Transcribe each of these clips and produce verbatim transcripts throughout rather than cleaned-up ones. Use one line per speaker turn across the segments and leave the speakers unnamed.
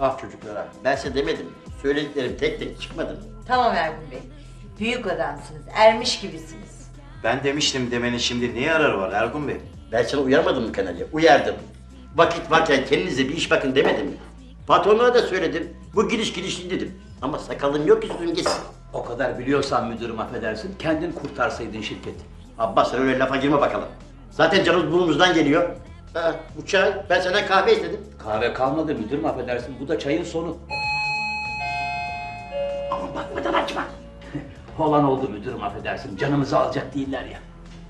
Ah çocuklara, ben size demedim. Söylediklerim tek tek çıkmadı.
Tamam Ergun Bey. Büyük adamsınız, ermiş gibisiniz.
Ben demiştim demenin şimdi ne yararı var Ergun Bey?
Ben sana uyarmadım mı kanalya? Uyardım. Vakit varken kendinize bir iş bakın demedim mi? Patronlara da söyledim. Bu giriş girişli dedim. Ama sakalım yok ki sözüm geçsin.
O kadar biliyorsan müdürüm affedersin, kendin kurtarsaydın şirketi.
Abbas sen öyle lafa girme bakalım. Zaten canımız burnumuzdan geliyor. Ha, bu çay, ben senden kahve istedim.
Kahve kalmadı müdürüm affedersin, bu da çayın sonu.
Ama bakmadan açma.
Olan oldu müdürüm affedersin, canımızı alacak değiller ya.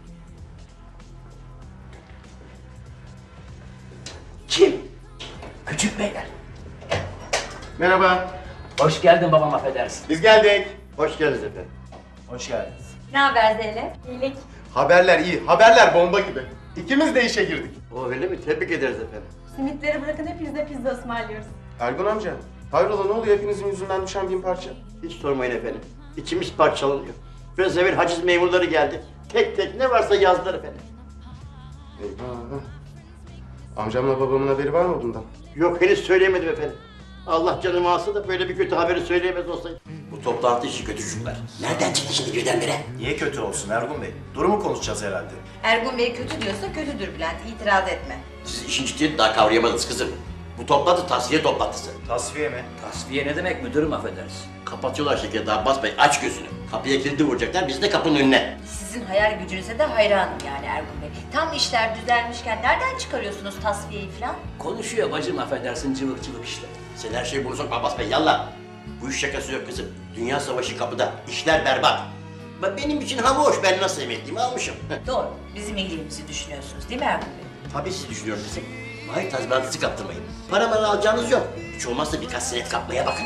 Kim? Küçük beyler.
Merhaba.
Hoş geldin babam affedersin.
Biz geldik.
Hoş geldiniz efendim.
Hoş geldiniz.
Ne haber Zeynep? İyilik.
Haberler iyi. Haberler bomba gibi. İkimiz de işe girdik.
O öyle mi? Tebrik ederiz efendim.
Simitleri bırakın hepinize pizza ısmarlıyoruz.
Ergun amca. Hayrola ne oluyor hepinizin yüzünden düşen bin parça?
Hiç sormayın efendim. İçimiz parçalanıyor. Biraz evvel haciz memurları geldi. Tek tek ne varsa yazdılar efendim.
Eyvah. Amcamla babamın haberi var mı bundan?
Yok henüz söyleyemedim efendim. Allah canımı alsa da böyle bir kötü haberi söyleyemez olsaydı. Bu toplantı işi kötü çocuklar. Nereden çıktı şimdi birdenbire?
Niye kötü olsun Ergun Bey? Durumu konuşacağız herhalde.
Ergun Bey kötü diyorsa kötüdür Bülent, itiraz etme.
Siz işin ciddiyetini daha kavrayamadınız kızım. Bu toplantı tasfiye toplantısı.
Tasfiye mi?
Tasfiye ne demek müdürüm affedersin?
Kapatıyorlar şirketi Abbas Bey, aç gözünü. Kapıya kilidi vuracaklar, biz de kapının önüne.
Sizin hayal gücünüze de hayranım yani Ergun Bey. Tam işler düzelmişken nereden çıkarıyorsunuz tasfiyeyi falan?
Konuşuyor bacım affedersin, cıvık cıvık işte.
Sen her şeyi bunu sokma Abbas Bey, yallah. Bu iş şakası yok kızım. Dünya savaşı kapıda, işler berbat. Bak benim için hava hoş, ben nasıl emekliyimi almışım.
Doğru, bizim iyiliğimizi düşünüyorsunuz değil mi Ergun Bey?
Tabii siz düşünüyorum kızım. Mahir tazminatınızı kaptırmayın. Para mara alacağınız yok. Hiç olmazsa birkaç senet kapmaya bakın.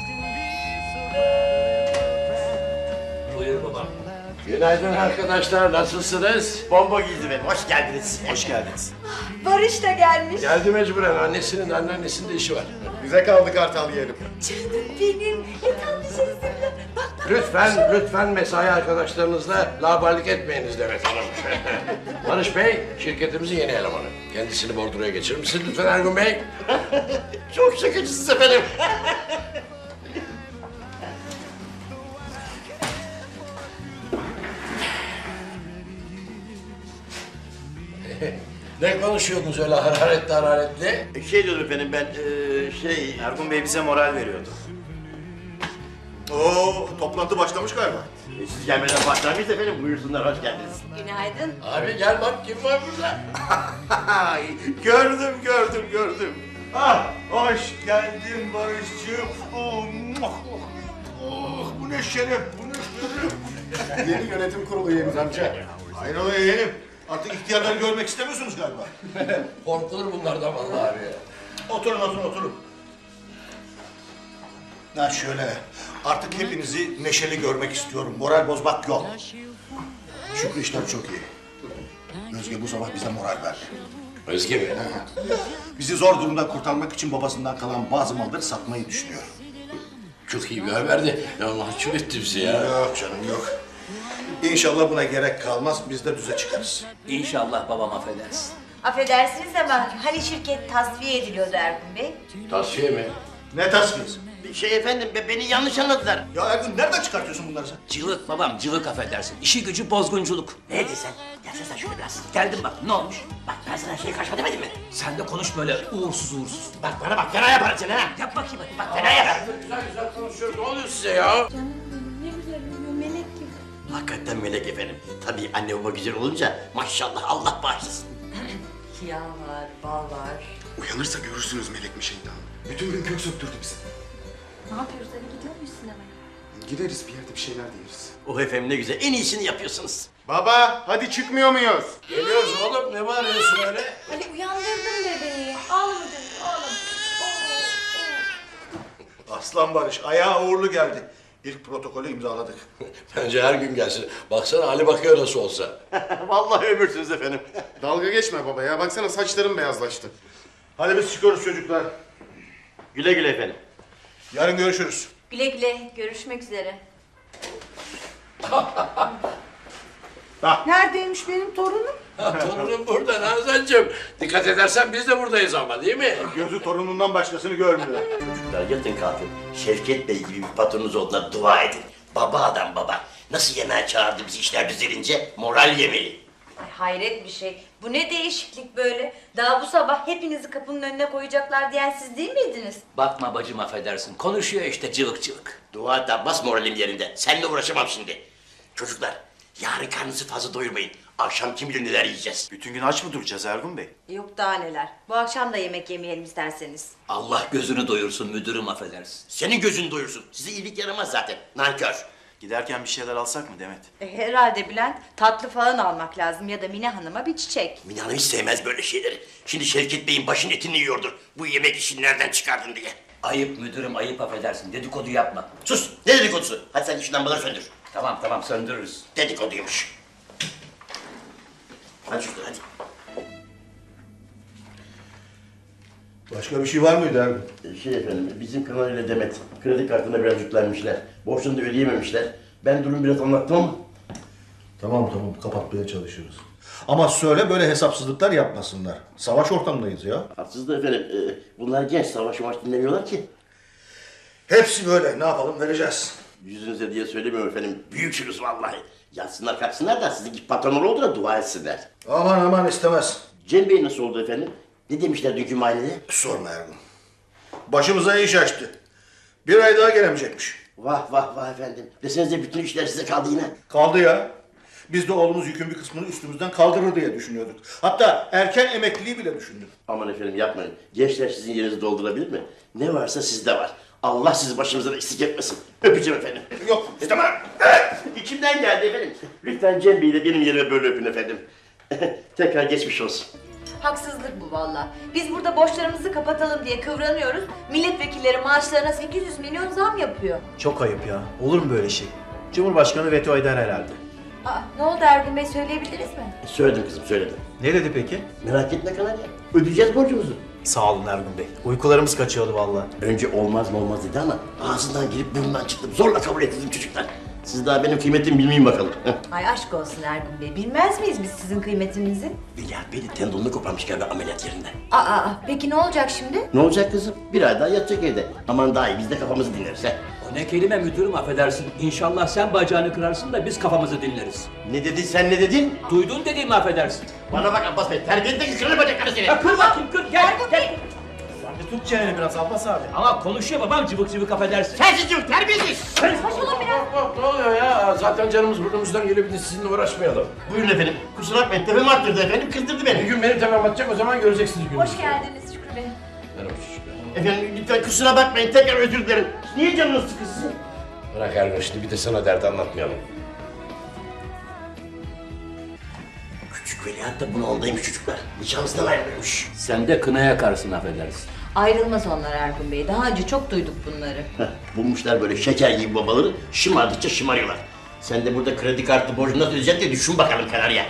Buyur babam.
Günaydın arkadaşlar, nasılsınız?
Bomba giydi benim, hoş geldiniz.
Hoş geldiniz.
Barış da gelmiş.
Geldi mecburen, annesinin anneannesinin de işi var.
Bize kaldı kartal yiyelim.
Canım benim, ne tatlı şeysin. Bak bak.
Lütfen, lütfen mesai arkadaşlarınızla laubalilik etmeyiniz Demet Hanım. Barış Bey, şirketimizin yeni elemanı. Kendisini bordroya geçirir misiniz lütfen Ergun Bey?
Çok şakacısınız efendim.
Ne konuşuyordunuz öyle hararetli hararetli?
Şey diyordum efendim ben, ee, şey...
Ergun Bey bize moral veriyordu.
Oo, toplantı başlamış galiba.
E, siz gelmeden başlamış efendim, buyursunlar, hoş geldiniz.
Günaydın.
Abi gel bak kim var burada?
gördüm, gördüm, gördüm. Ah, hoş geldin Barış'cığım. Oh, oh, oh, bu ne şeref, bu ne şeref. Yeni yönetim kurulu üyemiz amca. Hayrola yeğenim. Artık ihtiyarları görmek istemiyorsunuz galiba.
Korkulur bunlardan vallahi abi ya.
Oturun, oturun, oturun. Ha şöyle, artık hepinizi neşeli görmek istiyorum. Moral bozmak yok. Şükrü işler çok iyi. Özge bu sabah bize moral verdi.
Özge mi?
Bizi zor durumdan kurtarmak için babasından kalan bazı malları satmayı düşünüyor.
Çok iyi bir haberdi. Ya mahcup etti bizi ya.
Yok canım yok. İnşallah buna gerek kalmaz, biz de düze çıkarız.
İnşallah babam affedersin.
Affedersiniz ama hani şirket tasfiye ediliyordu Ergun Bey?
Tasfiye mi?
Ne tasfiyesi?
Bir şey efendim, be- beni yanlış anladılar.
Ya Ergun nereden çıkartıyorsun bunları sen?
Cıvık babam, cıvık affedersin. İşi gücü bozgunculuk.
Ne dedin sen? Gelsene sen şöyle biraz.
Geldim bak, ne olmuş?
Bak ben sana şey kaçma demedim mi?
Sen de konuş böyle uğursuz uğursuz.
Bak bana bak, fena yaparım seni ha.
Yap bakayım hadi.
Bak fena yaparım.
Güzel güzel konuşuyoruz. Ne oluyor size ya?
Canım benim ne güzel uyuyor melek gibi.
Hakikaten melek efendim. Tabii anne baba güzel olunca maşallah Allah bağışlasın.
Yağ var, bal var.
Uyanırsa görürsünüz melek mi şeytan. Bütün gün kök söktürdü bizi.
Ne yapıyoruz eve gidiyor muyuz sinemaya?
Gideriz bir yerde bir şeyler de yeriz.
Oh efendim ne güzel, en iyisini yapıyorsunuz.
Baba hadi çıkmıyor muyuz?
Geliyoruz oğlum. Ne bağırıyorsun öyle?
Ali uyandırdım bebeği. Ağlama canım ağlama.
Aslan Barış ayağa uğurlu geldi. İlk protokolü imzaladık.
Bence her gün gelsin. Baksana Ali bakıyor nasıl olsa.
Vallahi ömürsünüz efendim.
Dalga geçme baba ya. Baksana saçlarım beyazlaştı. Hadi biz çıkıyoruz çocuklar.
Güle güle efendim.
Yarın görüşürüz.
Güle güle, görüşmek üzere.
Neredeymiş benim torunum?
Ha, torunum burada Nazancığım. Dikkat edersen biz de buradayız ama değil mi?
Gözü torunundan başkasını görmüyor.
Çocuklar yatın kalkın. Şevket Bey gibi bir patronunuz olduğuna dua edin. Baba adam baba. Nasıl yemeğe çağırdı bizi işler düzelince? Moral yemeli.
Ay hayret bir şey. Bu ne değişiklik böyle? Daha bu sabah hepinizi kapının önüne koyacaklar diyen siz değil miydiniz?
Bakma bacım affedersin. Konuşuyor işte cıvık cıvık.
Dua et Abbas, moralim yerinde. Seninle uğraşamam şimdi. Çocuklar, yarın karnınızı fazla doyurmayın. Akşam kim bilir neler yiyeceğiz.
Bütün gün aç mı duracağız Ergun Bey?
Yok daha neler. Bu akşam da yemek yemeyelim isterseniz.
Allah gözünü doyursun müdürüm affedersin.
Senin gözün doyursun. Size iyilik yaramaz zaten. Nankör.
Giderken bir şeyler alsak mı Demet?
E, herhalde Bülent tatlı falan almak lazım ya da Mine Hanım'a bir çiçek.
Mine Hanım hiç sevmez böyle şeyleri. Şimdi Şevket Bey'in başın etini yiyordur. Bu yemek işini nereden çıkardın diye.
Ayıp müdürüm ayıp affedersin. Dedikodu yapma.
Sus! Ne dedikodusu? Hadi sen şu lambaları söndür.
Tamam tamam söndürürüz.
Dedikoduymuş. Hadi çocuklar hadi.
Başka bir şey var mıydı Ergun?
Şey efendim, bizim Kanal ile Demet kredi kartına biraz yüklenmişler. Borçlarını da ödeyememişler. Ben durumu biraz anlattım ama...
Tamam tamam kapatmaya çalışırız. Ama söyle böyle hesapsızlıklar yapmasınlar. Savaş ortamındayız ya.
Haksız da efendim, e, bunlar genç, savaş maç dinlemiyorlar ki.
Hepsi böyle. Ne yapalım vereceğiz.
Yüzünüze diye söylemiyorum efendim, büyüksünüz vallahi. Yatsınlar kalksınlar da sizinki patronlar oldu da dua etsinler.
Aman aman istemez.
Cem Bey nasıl oldu efendim? Ne demişler dünkü muayenede?
Sorma Ergun. Başımıza iş açtı. Bir ay daha gelemeyecekmiş.
Vah vah vah efendim. Desenize bütün işler size kaldı yine.
Kaldı ya. Biz de oğlumuz yükün bir kısmını üstümüzden kaldırır diye düşünüyorduk. Hatta erken emekliliği bile düşündük.
Aman efendim yapmayın. Gençler sizin yerinizi doldurabilir mi? Ne varsa sizde var. Allah sizi başımızdan eksik etmesin. Öpeceğim efendim.
Yok istemem.
İçimden geldi efendim. Lütfen Cem Bey'i de benim yerime böyle öpün efendim. Tekrar geçmiş olsun.
Haksızlık bu valla. Biz burada borçlarımızı kapatalım diye kıvranıyoruz. Milletvekilleri maaşlarına sekiz yüz milyon zam yapıyor.
Çok ayıp ya. Olur mu böyle şey? Cumhurbaşkanı veto eder herhalde.
Aa, ne oldu Ergun Bey söyleyebiliriz mi?
Söyledim kızım söyledim.
Ne dedi peki?
Merak etme Kanal ya. Ödeyeceğiz borcumuzu.
Sağ olun Ergun Bey. Uykularımız kaçıyordu vallahi.
Önce olmaz mı olmaz dedi ama ağzından girip burnundan çıktım. Zorla kabul ettim çocuklar. Siz daha benim kıymetimi bilmeyin bakalım.
Ay aşk olsun Ergun Bey. Bilmez miyiz biz sizin kıymetinizi?
Veliaht Bey de tendonunu koparmış galiba ameliyat yerinden.
Aa, aa, peki ne olacak şimdi?
Ne olacak kızım? Bir ay daha yatacak evde. Aman daha iyi biz de kafamızı dinleriz he.
O ne kelime müdürüm affedersin. İnşallah sen bacağını kırarsın da biz kafamızı dinleriz.
Ne dedin sen ne dedin?
Duydun dediğimi affedersin.
Bana bak Abbas Bey, terbiyedeki kırılır bacakları seni.
Ya kır bakayım kır gel gel.
Sen de tut çeneni biraz Abbas abi.
Ama konuşuyor babam cıvık cıvık affedersin.
Sensiz yok, terbiyesiz.
Saçmalama biraz.
Hop hop ne oluyor ya? Zaten canımız burnumuzdan geliyor bir de sizinle uğraşmayalım.
Buyurun efendim. Kusura bakmayın, tepemi attırdı efendim, kızdırdı
Bir
beni.
gün beni tamam atacak o zaman göreceksiniz gününüzü.
Hoş geldiniz Şükrü Bey.
Merhaba çocuklar.
Efendim lütfen kusura bakmayın, tekrar özür dilerim. Niye canınız sıkılsın?
Bırak Ergun şimdi bir de sana dert anlatmayalım.
Küçük veliaht da bunu ondaymış çocuklar. Nişanlısından ayrılmış.
Sen de kına yakarsın affedersin.
Ayrılmaz onlar Ergun Bey. Daha önce çok duyduk bunları.
Heh, bulmuşlar böyle şeker gibi babaları, şımardıkça şımarıyorlar. Sen de burada kredi kartı borcunu nasıl ödeyeceksin diye düşün bakalım Kanarya.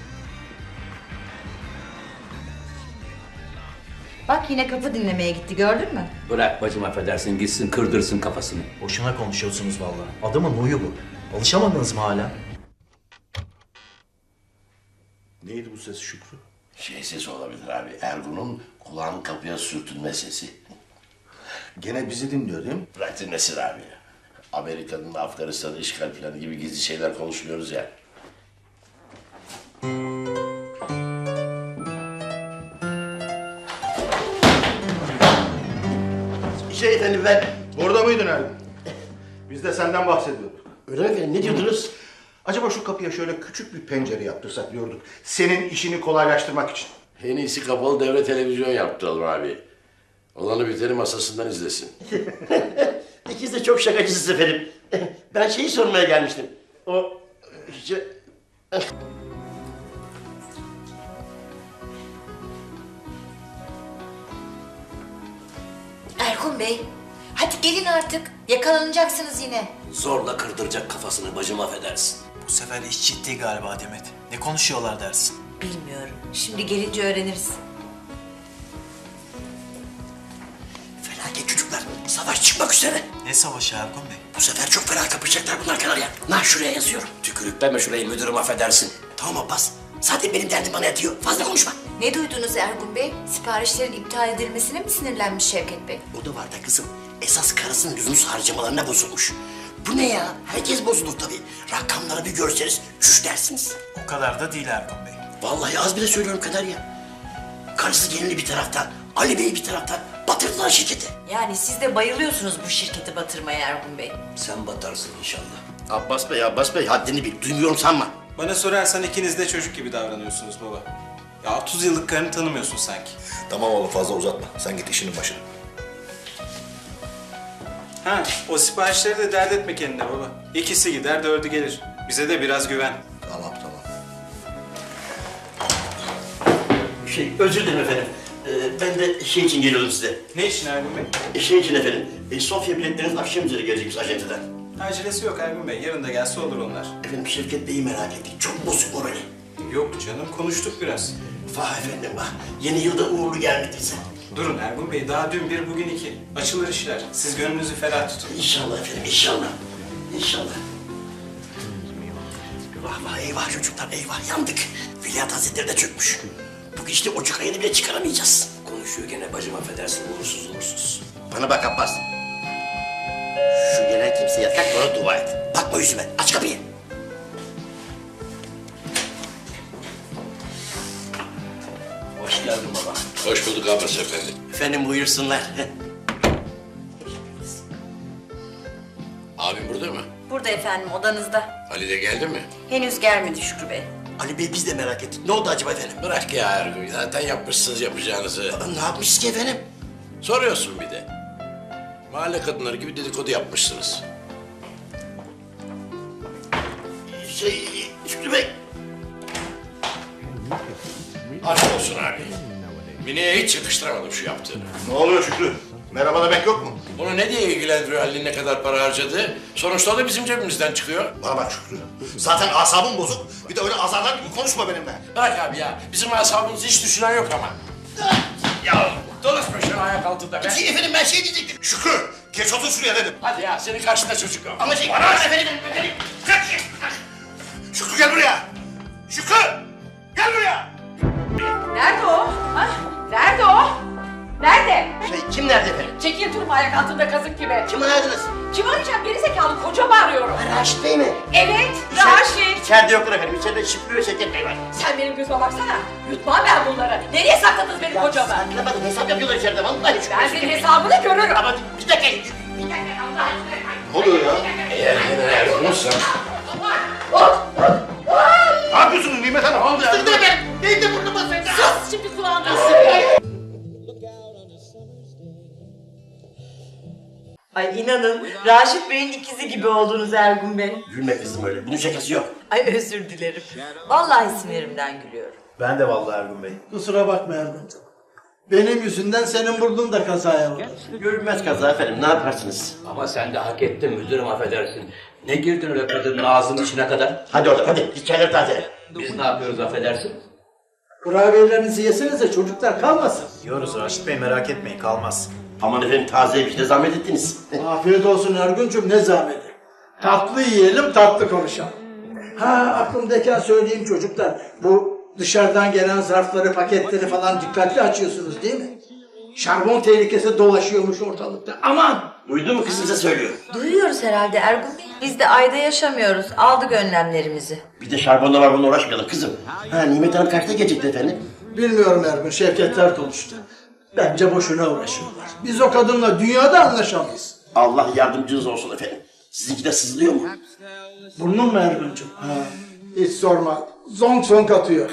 Bak yine kapı dinlemeye gitti gördün mü?
Bırak bacım affedersin gitsin kırdırsın kafasını.
Boşuna konuşuyorsunuz vallahi. Adamın huyu bu. Alışamadınız mı hala?
Neydi bu ses Şükrü?
Şey sesi olabilir abi, Ergun'un kulağın kapıya sürtünme sesi.
Gene bizi dinliyor değil mi?
Bırak dinlesin abi. Amerika'nın Afganistan'ı işgal planı gibi gizli şeyler konuşmuyoruz ya.
Şey efendim ben...
Orada mıydın Ergun? Biz de senden bahsediyorduk.
Öyle mi efendim, ne diyordunuz?
Acaba şu kapıya şöyle küçük bir pencere yaptırsak diyorduk. Senin işini kolaylaştırmak için.
En iyisi kapalı devre televizyon yaptıralım abi. Olanı biteni masasından izlesin.
İkiniz de çok şakacısınız efendim. Ben şeyi sormaya gelmiştim. O... Şey...
Ergun Bey, hadi gelin artık. Yakalanacaksınız yine.
Zorla kırdıracak kafasını bacım affedersin.
Bu sefer iş ciddi galiba Demet. Ne konuşuyorlar dersin?
Bilmiyorum. Şimdi gelince öğreniriz.
Felaket çocuklar. çocuklar. Savaş çıkmak üzere.
Ne savaşı Ergun Bey?
Bu sefer çok fena kapışacaklar bunlar Kanarya. Nah şuraya yazıyorum.
Tükürükleme şurayı müdürüm affedersin.
Tamam Abbas. Zaten benim derdim bana yatıyor. Fazla konuşma.
Ne duydunuz Ergun Bey? Siparişlerin iptal edilmesine mi sinirlenmiş Şevket Bey?
O da var da kızım. Esas karısının lüzumsuz harcamalarına bozulmuş. Bu ne ya? Herkes bozulur tabii. Rakamları bir görseniz çüş dersiniz.
O kadar da değil Ergun Bey.
Vallahi az bile söylüyorum Kanarya. Karısı gelini bir taraftan, Ali Bey bir taraftan batırdılar şirketi.
Yani siz de bayılıyorsunuz bu şirketi batırmaya Ergun Bey.
Sen batarsın inşallah.
Abbas Bey, Abbas Bey haddini bil. Duymuyorum sanma.
Bana sorarsan ikiniz de çocuk gibi davranıyorsunuz baba. Ya otuz yıllık karını tanımıyorsun sanki.
Tamam oğlum fazla uzatma. Sen git işinin başına.
Ha, o siparişleri de dert etme kendine baba. İkisi gider, dördü gelir. Bize de biraz güven.
Tamam tamam.
Şey, özür dilerim efendim. Ee, ben de şey için geliyordum size.
Ne için Ergun Bey?
E, şey için efendim. E, Sofya biletleriniz akşam üzeri gelecekmiş acenteden.
Acelesi yok Ergun Bey. Yarın da gelse olur onlar.
Efendim Şevket Bey'i merak ettik. Çok bozuk morali.
Yok canım, konuştuk biraz.
Vah efendim vah. Yeni yılda uğurlu gelmediyse.
Durun Ergun Bey, daha dün bir, bugün iki. Açılır işler. Siz gönlünüzü ferah tutun.
İnşallah efendim, inşallah. İnşallah. Vah vah eyvah çocuklar eyvah yandık. Veliaht Hazretleri de çökmüş. Bu gidişle Ocak ayını bile çıkaramayacağız.
Konuşuyor gene bacım affedersin uğursuz uğursuz.
Bana bak Abbas. Şu gelen kimseye kalk bana dua et. Bakma yüzüme aç kapıyı.
Hoş geldin baba.
Hoş bulduk Abbas efendi.
Efendim buyursunlar.
Abim burada mı?
Burada efendim odanızda.
Ali de geldi mi?
Henüz gelmedi Şükrü Bey.
Ali Bey biz de merak ettik. Ne oldu acaba efendim?
Bırak ya Ergun. Zaten yapmışsınız yapacağınızı.
Aa, ne yapmışız ki efendim?
Soruyorsun bir de. Mahalle kadınları gibi dedikodu yapmışsınız.
Şey Şükrü Bey.
Aşk olsun abi. Mine'ye hiç yakıştıramadım şu yaptığını.
Ne oluyor Şükrü? Merhaba demek yok mu?
Onu ne diye ilgilendiriyor Halil'in ne kadar para harcadığı? Sonuçta o da bizim cebimizden çıkıyor.
Bana bak Şükrü. Zaten asabım bozuk. Bir de öyle azarlar gibi konuşma benimle.
Bırak abi ya. Bizim asabımızı hiç düşünen yok ama. Ya dolaşma şunu ayak altında be.
Şey, efendim ben şey diyecektim.
Şükrü! Geç otur şuraya dedim.
Hadi ya senin karşında çocuk yok.
Ama şey bana efendim efendim.
Şükrü gel buraya! Şükrü! Gel buraya!
Nerede o? Ha? Nerede o? Nerede?
Şey kim nerede efendim?
Çekil durma ayak altında kazık gibi.
Kim aradınız?
Kim arayacağım? Gerizekalı kocamı arıyorum.
Raşit Bey mi?
Evet, Raşit.
İçeride yoklar efendim. İçeride Şükrü ve Şevket Bey var.
Sen benim gözüme baksana. Yutmam ben bunları. Nereye sakladınız benim kocamı?
Saklamadım. Hesap yapıyorlar içeride. Vallahi Şükrü
Ben
ve
senin
Şevket Bey.
hesabını görürüm.
Ama bir dakika.
Bir dakika Allah aşkına.
Ne oluyor ya?
Eğer yine Ergun'sa...
Ne yapıyorsunuz Nimet Hanım? Ne oldu ya?
Dur efendim. Benim de burnuma sıktı.
Sus şimdi kulağından sıkıyor.
Ay inanın Raşit Bey'in ikizi gibi oldunuz Ergun Bey.
Gülme kızım öyle. Bunun şakası yok.
Ay özür dilerim. Vallahi sinirimden gülüyorum.
Ben de vallahi Ergun Bey.
Kusura bakma Ergun'cum. Benim yüzümden senin burnun da kazaya uğradı.
Görünmez kaza efendim. Ne yaparsınız?
Ama sen de hak ettin müdürüm affedersin. Ne girdin öyle kadının ağzının içine kadar?
Hadi oradan hadi. Git çayları tazele.
Biz ne yapıyoruz affedersin?
Kurabiyelerinizi yesenize çocuklar kalmasın.
Yiyoruz Raşit Bey merak etmeyin kalmaz.
Aman efendim taze bir şey de zahmet ettiniz.
Afiyet olsun Ergun'cum ne zahmeti. Tatlı yiyelim tatlı konuşalım. Ha aklımdayken söyleyeyim çocuklar. Bu dışarıdan gelen zarfları paketleri falan dikkatli açıyorsunuz değil mi? Şarbon tehlikesi dolaşıyormuş ortalıkta. Aman!
Duydun mu kızım size söylüyor.
Duyuyoruz herhalde Ergun Bey. Biz de ayda yaşamıyoruz. Aldık önlemlerimizi.
Bir de şarbonla var bununla uğraşmayalım kızım. Ha Nimet Hanım kaçta gelecekti efendim?
Bilmiyorum Ergun, Şevketler konuştu. Bence boşuna uğraşıyorlar. Biz o kadınla dünyada anlaşamayız.
Allah yardımcınız olsun efendim. Sizinki de sızlıyor mu?
Burnun mu Ergun'cum? Ha, hiç sorma. Zonk zonk atıyor.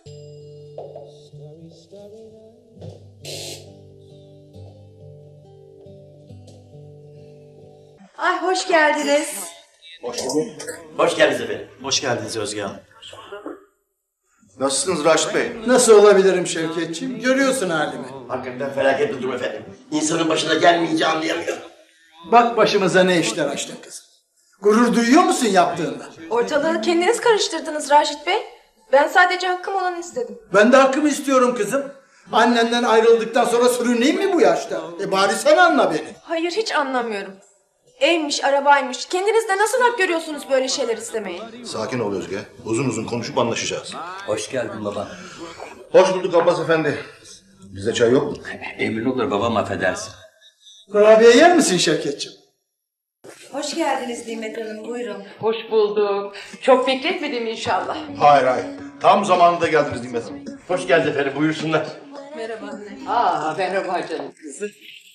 Ay hoş geldiniz.
Hoş bulduk. Hoş geldiniz efendim.
Hoş geldiniz Özge Hanım.
Nasılsınız Raşit Bey?
Nasıl olabilirim Şevketciğim? Görüyorsun halimi.
Hakikaten felaket bir durum efendim. İnsanın başına gelmeyince anlayamıyor.
Bak başımıza ne işler açtın kızım. Gurur duyuyor musun yaptığında?
Ortalığı kendiniz karıştırdınız Raşit Bey. Ben sadece hakkım olanı istedim.
Ben de hakkımı istiyorum kızım. Annenden ayrıldıktan sonra sürüneyim mi bu yaşta? E bari sen anla beni.
Hayır hiç anlamıyorum. Evmiş, arabaymış. Kendiniz de nasıl hak görüyorsunuz böyle şeyler istemeyi?
Sakin ol Özge. Uzun uzun konuşup anlaşacağız.
Hoş geldin babam.
Hoş bulduk Abbas Efendi. Bize çay yok mu?
Emin olur babam, affedersin.
Kurabiye yer misin Şevketciğim?
Hoş geldiniz Nimet Hanım, buyurun.
Hoş bulduk. Çok bekletmedim inşallah.
Hayır hayır. Tam zamanında geldiniz Nimet Hanım.
Hoş geldin efendim, buyursunlar.
Merhaba anne.
Aa merhaba canım kızım.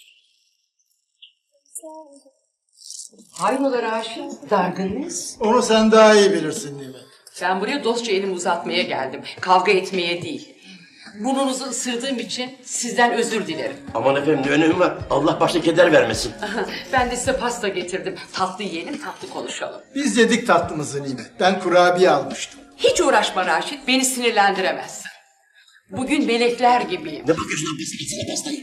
Hayrola Raşit, dargınız?
Onu sen daha iyi bilirsin Nimet.
Ben buraya dostça elimi uzatmaya geldim. Kavga etmeye değil. Burnunuzu ısırdığım için sizden özür dilerim.
Aman efendim, ne önemi var? Allah başta keder vermesin.
Ben de size pasta getirdim. Tatlı yiyelim, tatlı konuşalım.
Biz yedik tatlımızı Nimet. Ben kurabiye almıştım.
Hiç uğraşma Raşit, beni sinirlendiremezsin. Bugün melekler gibiyim.
Ne bakıyorsun Abbas? Gitsene pastayı.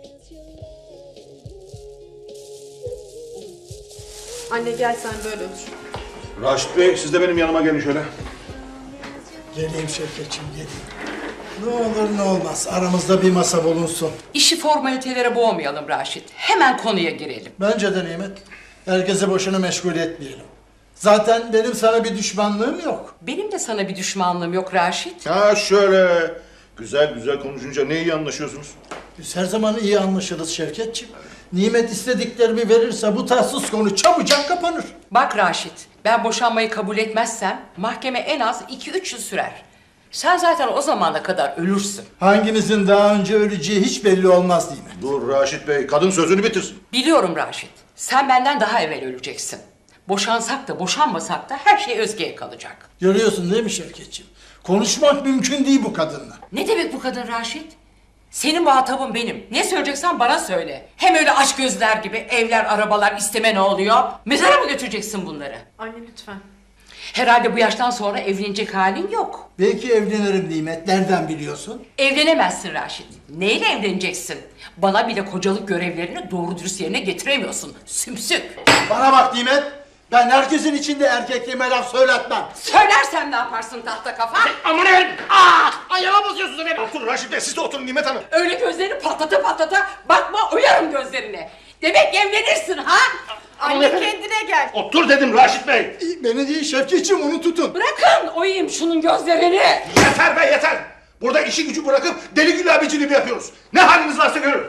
Anne gel sen böyle otur.
Raşit Bey, siz de benim yanıma gelin şöyle.
Geleyim Şevketciğim geleyim. Ne olur ne olmaz aramızda bir masa bulunsun.
İşi formalitelere boğmayalım Raşit. Hemen konuya girelim.
Bence de Nimet. Herkese boşuna meşgul etmeyelim. Zaten benim sana bir düşmanlığım yok.
Benim de sana bir düşmanlığım yok Raşit.
Ha şöyle. Güzel güzel konuşunca ne iyi anlaşıyorsunuz.
Biz her zaman iyi anlaşırız Şevketciğim. Nimet istediklerimi verirse bu tatsız konu çabucak kapanır.
Bak Raşit, ben boşanmayı kabul etmezsem mahkeme en az iki üç yıl sürer. Sen zaten o zamana kadar ölürsün.
Hangimizin daha önce öleceği hiç belli olmaz değil mi?
Dur Raşit Bey, kadın sözünü bitirsin.
Biliyorum Raşit, sen benden daha evvel öleceksin. Boşansak da boşanmasak da her şey Özge'ye kalacak.
Görüyorsun değil mi Şevketciğim? Konuşmak mümkün değil bu kadınla.
Ne demek bu kadın Raşit? Senin muhatabın benim. Ne söyleyeceksen bana söyle. Hem öyle aç gözler gibi evler, arabalar isteme ne oluyor? Mezara mı götüreceksin bunları?
Anne lütfen.
Herhalde bu yaştan sonra evlenecek halin yok.
Belki evlenirim Nimet. Nereden biliyorsun?
Evlenemezsin Raşit. Neyle evleneceksin? Bana bile kocalık görevlerini doğru dürüst yerine getiremiyorsun. Sümsük.
Bana bak Nimet. Ben herkesin içinde erkekliğime laf söyletmem.
Söylersen ne yaparsın tahta kafa?
Aman efendim! Aa! Ayağıma basıyorsunuz beni! Oturun Raşit Bey, siz de oturun Nimet Hanım.
Öyle gözlerini patlata patlata bakma oyarım gözlerine. Demek evlenirsin ha?
Anne kendine gel.
Otur dedim Raşit Bey.
Beni değil Şevketciğim onu tutun.
Bırakın oyayım şunun gözlerini.
Yeter be yeter! Burada işi gücü bırakıp deli gül abiciliği yapıyoruz. Ne haliniz varsa görün.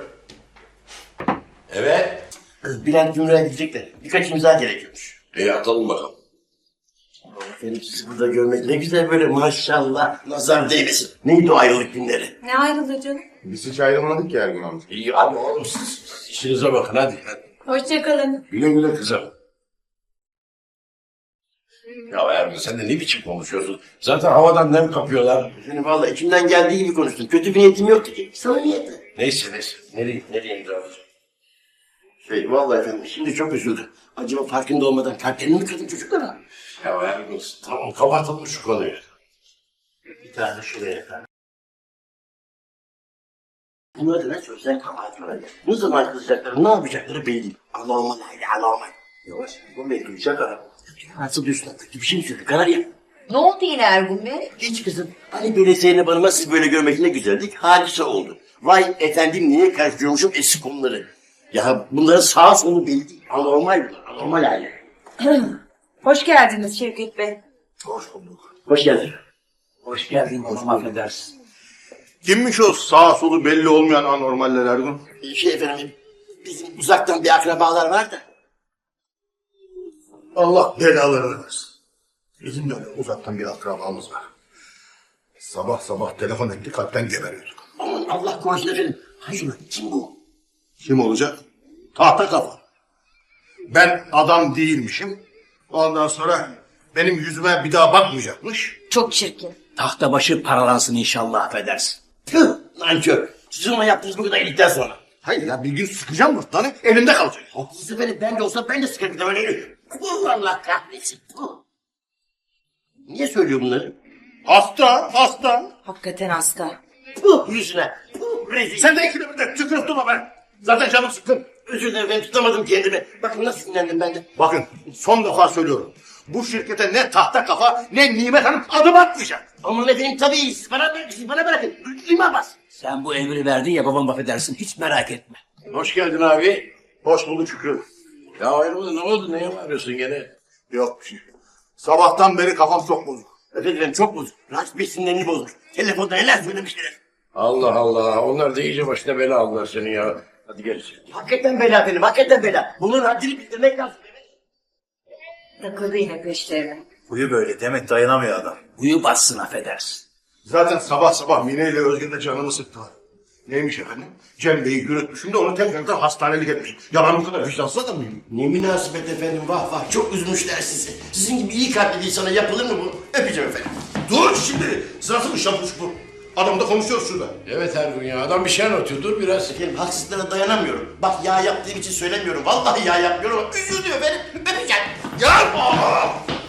Evet.
Bülent Gümrük'e gidecekler. Birkaç imza gerekiyormuş.
İyi atalım bakalım.
Efendim sizi burada görmek ne güzel böyle maşallah. Nazar değmesin. Neydi o ayrılık günleri?
Ne ayrıldı canım?
Biz hiç ayrılmadık ki Ergun amca.
İyi abi oğlum siz işinize bakın hadi. hadi.
Hoşçakalın.
Güle güle kızım. Ya Ergun sen de ne biçim konuşuyorsun? Zaten havadan nem kapıyorlar.
Yani vallahi içimden geldiği gibi konuştum. Kötü bir niyetim yoktu ki. Sana niyeti.
Neyse neyse. Nereye, nereye imza alacağım?
Şey vallahi efendim şimdi çok üzüldü. Acaba farkında olmadan kalplerini mi kırdın çocuklara?
Ya Ergun tamam kapatalım şu konuyu.
Bir tane şuraya efendim. Bunlar da ne söylesen kabahatler. Ne zaman kızacakları, ne yapacakları belli değil. Anormal aile, anormal. Yavaş, bu Bey duyacak ara. Nasıl duysun artık? Bir şey mi söyledi? Kanarya.
Ne oldu yine Ergun Bey?
Hiç kızım. Hani böyle Zeynep Hanım'a siz böyle görmek ne güzeldik. Hadise oldu. Vay efendim niye karıştırıyormuşum eski konuları. Ya bunların sağ solu belli değil. Anormal bunlar, anormal aile.
Hoş geldiniz Şevket Bey.
Hoş bulduk.
Hoş geldin.
Hoş geldin babam, affedersin.
Kimmiş o sağ solu belli olmayan anormaller Ergun?
Şey efendim, bizim uzaktan bir akrabalar var da.
Allah belalarını versin. Bizim de öyle uzaktan bir akrabamız var. Sabah sabah telefon etti, kalpten geberiyorduk.
Aman Allah korusun efendim. Hayır, kim bu?
Kim olacak? Tahta kafa. Ben adam değilmişim. Ondan sonra benim yüzüme bir daha bakmayacakmış.
Çok çirkin.
Tahta başı paralansın inşallah, affedersin.
Tüh, nankör. Siz ona yaptığınız bu kadar iyilikten sonra.
Hayır ya, bir gün sıkacağım mırtlanı, elimde kalacak.
Haklısın efendim, ben de olsa ben de sıkarım da öyle. Puh, Allah kahretsin. Puh. Niye söylüyor bunları?
Hasta, hasta.
Hakikaten hasta.
Puh, yüzüne. Puh, rezil.
Sen de ikide bir de tükürüp durma be. Zaten canım sıkkın.
Özür dilerim, ben tutamadım kendimi. Bakın nasıl sinirlendim ben de.
Bakın, son defa söylüyorum. Bu şirkete ne tahta kafa ne Nimet Hanım adım atmayacak.
Aman efendim tabii, siz bana, siz bana bırakın. İma bas.
Sen bu emri verdin ya babam affedersin hiç merak etme.
Hoş geldin abi.
Hoş bulduk Şükrü.
Ya ayrıldı ne oldu? Neye bağırıyorsun gene?
Yok bir şey. Sabahtan beri kafam çok bozuk.
Özür dilerim çok bozuk. Rahat bir sinirlerini bozuk. Telefonda neler söylemişler.
Allah Allah. Onlar da iyice başına bela aldılar senin ya. Hadi gel içeri.
Hakikaten bela benim, hakikaten bela. Bunun haddini bildirmek lazım.
Takıldı yine peşlerine.
Huyu böyle Demet dayanamıyor adam.
Uyu bassın affedersin.
Zaten sabah sabah Mine ile Özgün de canımı sıktılar. Neymiş efendim? Cem Bey'i yürütmüşüm de onu tekrardan hastanelik etmişim. Ya ben bu kadar vicdansız adam mıyım?
Ne münasebet efendim, vah vah, çok üzmüşler sizi. Sizin gibi iyi kalpli bir insana yapılır mı bu? Öpeceğim efendim.
Dur şimdi! Sırası mı şapuş bu? Adamla konuşuyoruz şurada.
Evet Ergun ya. Adam bir şey anlatıyor. Dur biraz.
Efendim haksızlığa dayanamıyorum. Bak yağ yaptığım için söylemiyorum. Vallahi yağ yapmıyorum ama üzüldüm efendim. Öpeceğim.
Ya! Aa!